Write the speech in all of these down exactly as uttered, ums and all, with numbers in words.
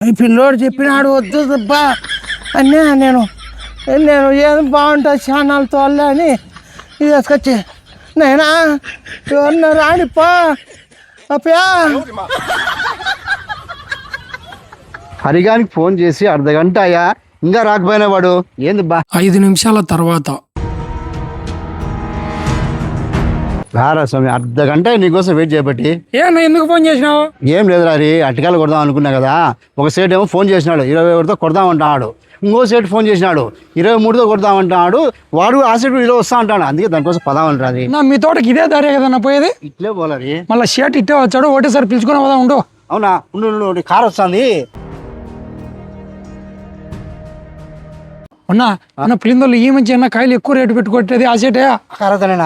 ఈ పిల్లోడు చెప్పినాడు వద్దు బా అన్నా నేను నేను ఏం బాగుంటుంది ఛానల్ తోలే అని ఇది వేసుకొచ్చి నైనా ఎవరన్నా రానిపా అప్పయా. హరిగానికి ఫోన్ చేసి అర్ధ గంట అయ్యా ఇంకా రాకపోయినా వాడు ఏంది బా. ఐదు నిమిషాల తర్వాత రారా స్వామి అర్ధ గంట నీకోసం వెయిట్ చేయబట్టి. ఏ నా ఎందుకు ఫోన్ చేసినావు? ఏం లేదు రా అట్టికాయలు కొడదాం అనుకున్నా కదా. ఒక సేట్ ఏమో ఫోన్ చేసినాడు ఇరవై ఒకటితో కొడదామంటున్నాడు. ఇంకో సేట్ ఫోన్ చేసినాడు ఇరవై మూడుతో కొడదామంటున్నాడు. వాడు ఆ సేట్ ఈరోజు వస్తా అంటాడు. అందుకే దానికోసం పదామంటారు. నా మీ తోటకి ఇదే దారే కదా పోయేది. ఇట్లే పోలరి మళ్ళీ షర్ట్ ఇట్టే వచ్చాడు ఒకటేసారి పిలుచుకుని పోదా ఉండు. అవునా ఉండు కార్ వస్తుంది. అన్నా అన్న పిలిందోళ్ళు ఈ మంచి అన్న కాయలు ఎక్కువ రేటు పెట్టుకొట్టేది ఆ సేటే కరతనేనా?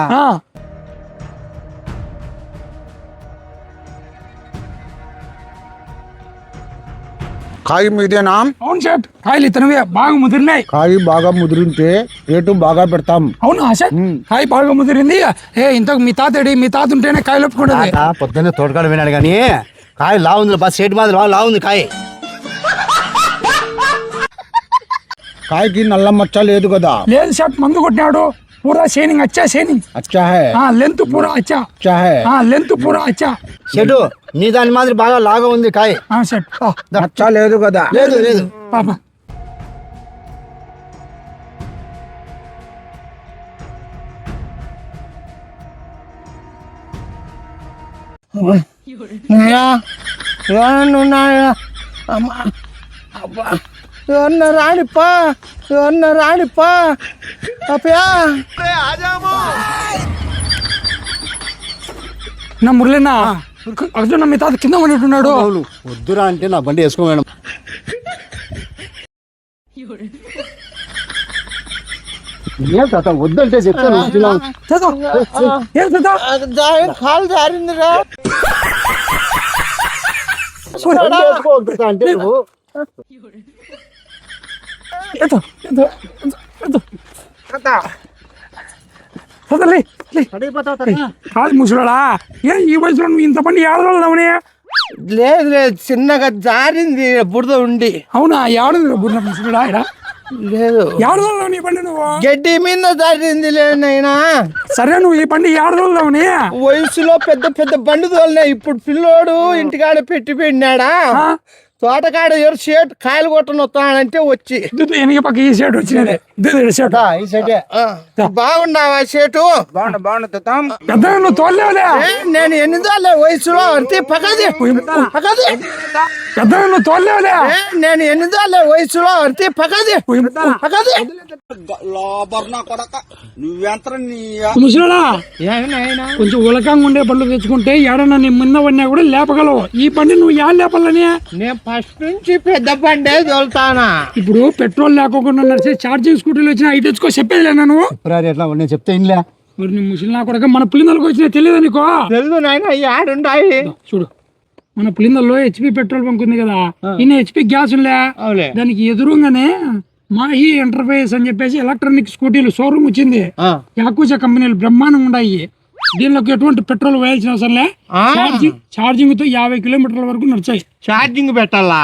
కాయ మీదేనా? అవును షర్ట్ కాయలు ఇతనవే బాగా ముదిరినాయి. కాయ బాగా ముదిరింటే రేటు బాగా పెడతాం. అవునా షర్ట్ కాయ బాగా ముదిరింది. ఏ ఇంతకు మీ తాతడి మీ తాత ఉంటేనే కాయలు ఒప్పుకుంటుంది. పొద్దున్నే తోటకాడ వినాడు కానీ కాయ లావుంది బస్ సేట్ మాదిరి బాగా లావుంది కాయ. కాయకి నల్ల మచ్చ లేదు కదా? లేదు షర్ట్ మందు కొట్టినాడు. పూరా షేనింగ్ అచ్చా షేనింగ్ అచ్చా హై. లెంత్ పూరా అచ్చా అచ్చా హై. లెంత్ పూరా అచ్చా. చెట్టు నీ దాని మాదిరి బాగా లాగా ఉంది కాయ. షర్ట్ మచ్చ లేదు కదా? లేదు లేదు పాప ఎవరన్నా రానిపా ఎవరన్నా రానిపా అప్పయా. నా మురళినా అర్జున్ మీ తాత కింద ఉన్నట్టున్నాడు. వద్దురా అంటే నా బండి వేసుకో మేడం. వద్దంటే చెప్తాను. కాలు జారిందిరా. అంటే నువ్వు కాదు ముసలాడా ఏ ఈ వయసులో నువ్వు ఇంత పని ఏడదామని? లేదు లేదు చిన్నగా జారింది బురద ఉండి. అవునా ఏడు బుర్ర ముసలాడా ఇక్కడ లేదు ఏడదాం నీ బండి నువ్వు గడ్డి మీద జారింది లేనైనా. సరే నువ్వు ఈ బండి ఏడదామని వయసులో పెద్ద పెద్ద బండి తోలినాయి. ఇప్పుడు పిల్లోడు ఇంటికాడ పెట్టి పెట్టినాడా తోటకాడ ఎవరు షేట్ కాయలు కొట్టను వస్తానంటే వచ్చి ఎనక పక్క ఈ షర్ట్ వచ్చినది బాగున్నావా షేటు? బాగుంది బాగుంది పెద్ద నువ్వు తోలేవులే. నేను ఎన్ని తోలే వయసులో అంతే పక్కది పక్కది పెద్ద నువ్వు తోలేవులే. నేను ఎన్ని తోలే వయసులో అంతే పక్కది పక్కది ముసలాడా కొంచెం ఉలకంగా ఉండే బండ్లు తెచ్చుకుంటే ఏడన్నా నీ ముంద పడినా కూడా లేపగలవు. ఈ బండి నువ్వు ఏడు లేపాలని? నేను ఫస్ట్ నుంచి పెద్ద బండే తోలుతానా. ఇప్పుడు పెట్రోల్ లేకోకుండా నడిచే ఛార్జింగ్ స్కూటీలు వచ్చినా అయి తెచ్చుకో చెప్పేదిలే నేను. ఎట్లా నేను చెప్తే ఇంలే. మరి నీ ముసలి కూడా మన పులిందలకు వచ్చినా తెలియదు నీకో? తెలుసు నాయన ఆడుండాయి. చూడు మన పులిందల్లో హెచ్పి పెట్రోల్ బంక్ ఉంది కదా, ఇన్ని హెచ్పి గ్యాస్ ఉండే దానికి ఎదురుగానే మాహి ఎంటర్ప్రైజెస్ అని చెప్పేసి ఎలక్ట్రానిక్ స్కూటీలు షోరూమ్ వచ్చింది. యాకుజా కంపెనీలు బ్రహ్మాండంగా ఉన్నాయి. దీనిలోకి ఎటువంటి పెట్రోల్ వేయాల్సిన అవసరం లే. ఛార్జింగ్ ఛార్జింగ్ తో యాభై కిలోమీటర్ల వరకు నడిచాయి. ఛార్జింగ్ పెట్టాలా?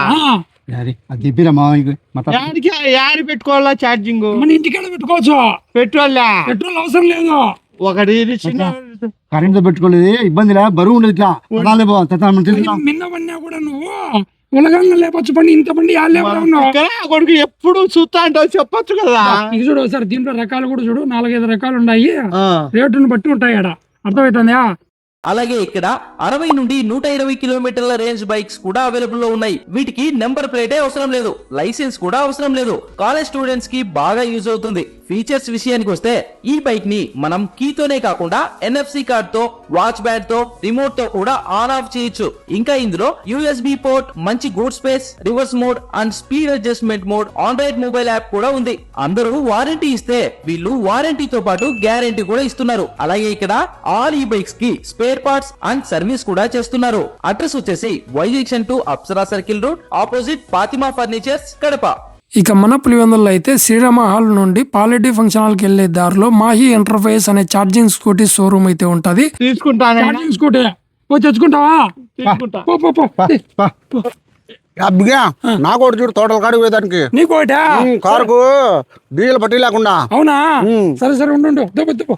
యారి పెట్టుకోవాలా ఛార్జింగ్? మన ఇంటికాడ పెట్టుకోవచ్చు. పెట్రోల్ పెట్రోల్ అవసరం లేదు. ఒకటి కరెంట్ తో పెట్టుకోలేదు ఇబ్బంది లే. బరువు ఉండదు ఇట్లా నిన్న పడినా కూడా నువ్వు ఉలగంగా లేపచ్చు బండి. ఇంత బండి కొడుకు ఎప్పుడు చూస్తా అంటావు చెప్పొచ్చు కదా. ఇది చూడు ఒకసారి దీంట్లో రకాలు కూడా చూడు, నాలుగైదు రకాలు ఉన్నాయి. రేటును బట్టి ఉంటాయి ఆడ. అర్థమవుతుందా? అలాగే ఇక్కడ అరవై నుండి నూట ఇరవై కిలోమీటర్ల రేంజ్ బైక్స్ కూడా అవైలబుల్ లో ఉన్నాయి. వీటికి నెంబర్ ప్లేటే అవసరం లేదు, లైసెన్స్ కూడా అవసరం లేదు. కాలేజ్ స్టూడెంట్స్ కి బాగా యూజ్ అవుతుంది. ఫీచర్స్ విషయానికి వస్తే ఈ బైక్ ని మనం కీతోనే కాకుండా ఎన్ఎఫ్సి కార్డ్ తో, వాచ్ బ్యాడ్ తో, రిమోట్ తో కూడా ఆన్ ఆఫ్ చేయొచ్చు. ఇంకా ఇందులో యూఎస్బి పోర్ట్, మంచి good space, reverse mode and speed adjustment mode, Android mobile app కూడా ఉంది. అందరూ వారంటీ ఇస్తే వీళ్ళు వారంటీతో పాటు గ్యారంటీ కూడా ఇస్తున్నారు. అలాగే ఇక్కడ ఆల్ ఈ బైక్స్ కి స్పేర్ పార్ట్స్ అండ్ సర్వీస్ కూడా చేస్తున్నారు. అడ్రస్ వచ్చేసి Y junction to Apsara circle road opposite Fatima furnitures Kadapa. ఇక మన పులివెందుల్లో అయితే శ్రీరామ హాల్ నుండి పాలిటీ ఫంక్షన్ హాల్ కి వెళ్లే దారిలో మాహి ఎంటర్ప్రైజ్ అనే ఛార్జింగ్ స్కూటీ షోరూమ్ అయితే ఉంటది. తీసుకుంటాను ఛార్జింగ్ స్కూటీ తెచ్చుకుంటావా? అబ్బిగా నాకు ఒకటి చూడు తోటల కాడికి పోయేదానికి నీకోటా ఉమ్, కారుకు డీజిల్ పట్టి లేకుండా. అవునా సరే సరే ఉండు ఉండు. దుబ్బు దుబ్బు.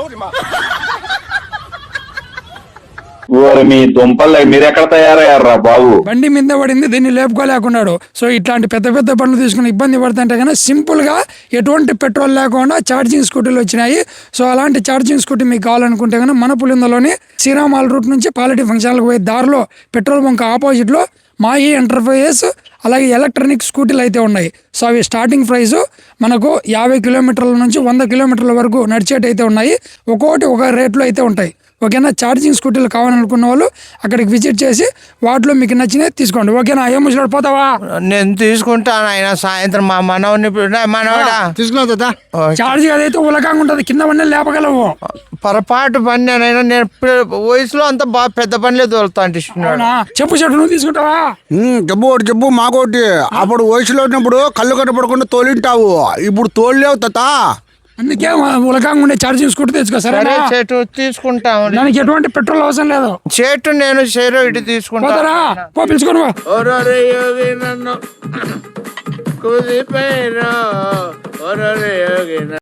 ఓరి మీ దుంపలు మీరెక్కడ తయారయ్యారా బాబు? బండి మీద పడింది, దీన్ని లేపుకోలేకున్నాడు. సో ఇట్లాంటి పెద్ద పెద్ద బండ్లు తీసుకుని ఇబ్బంది పడుతుంటే కానీ సింపుల్ గా ఎటువంటి పెట్రోల్ లేకుండా ఛార్జింగ్ స్కూటీలు వచ్చినాయి. సో అలాంటి ఛార్జింగ్ స్కూటీ మీకు కావాలనుకుంటే కానీ మన పులిందలోని శ్రీరామాల్ రూట్ నుంచి పాలిటీ ఫంక్షన్లకు పోయే దారిలో పెట్రోల్ బంక్ ఆపోజిట్ లో మాయి ఎంటర్ప్రైజెస్ అలాగే ఎలక్ట్రానిక్ స్కూటీలు అయితే ఉన్నాయి. సో అవి స్టార్టింగ్ ప్రైస్ మనకు యాభై కిలోమీటర్ల నుంచి వంద కిలోమీటర్ల వరకు నడిచేటైతే ఉన్నాయి. ఒక్కొక్కటి ఒక రేట్లో అయితే ఉంటాయి. ఓకేనా, ఛార్జింగ్ స్కూటీలు కావాలనుకున్న వాళ్ళు అక్కడికి విజిట్ చేసి వాటిలో మీకు నచ్చినవి తీసుకోండి. ఓకేనా, ఏం ముసలాడు పోతావా? నేను తీసుకుంటాను ఆయన సాయంత్రం మా మనవని మనవడా తీసుకున్నావు తాత. ఛార్జింగ్ అదైతే ఉలకంగా ఉంటుంది, కింద పడిన లేపగలవు. పొరపాటు పని నేను నేను ఇప్పుడు వయసులో అంతా బాగా పెద్ద పనిలే తోలుతా అంటే అవునా? చెప్పు చెట్టు నువ్వు తీసుకుంటావా? ఉమ్, జబ్బు ఒకటి జబ్బు మాకోటి. అప్పుడు వయసులో ఉన్నప్పుడు కళ్ళు కట్టపడకుండా తోలింటావు, ఇప్పుడు తోలేవు తాత. అందుకే ఉలకంగా ఉండే ఛార్జింగ్ స్కూటీ తెచ్చుకో. సరే సరే చెట్టు తీసుకుంటాము. దానికి ఎటువంటి పెట్రోల్ అవసరం లేదు. చెట్టు నేను షేరో ఇటు తీసుకుంటా. పోతారా? పో పిలుచుకోను. ఓరోరే యోగి నన్ను కుదిపేరా, ఓరోరే యోగి